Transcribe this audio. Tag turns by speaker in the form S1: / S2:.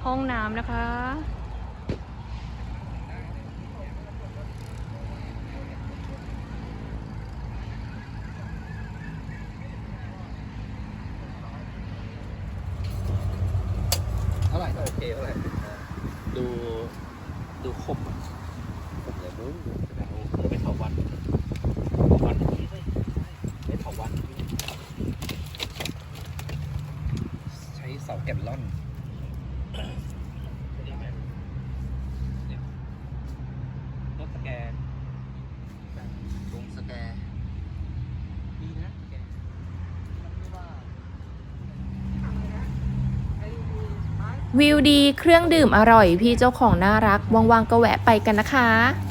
S1: ห้องน้ำนะคะ
S2: เท่าไหร่ก็โอเคเท่าไหร่ดูคมเลยมึงไม่เท่าวันไม่เท่าวันใช้เสาแกนล่อนรถสแกนลงสแกนดีนะแก
S1: วิวดีเครื่องดื่มอร่อยพี่เจ้าของน่ารักว่างๆก็แวะไปกันนะคะ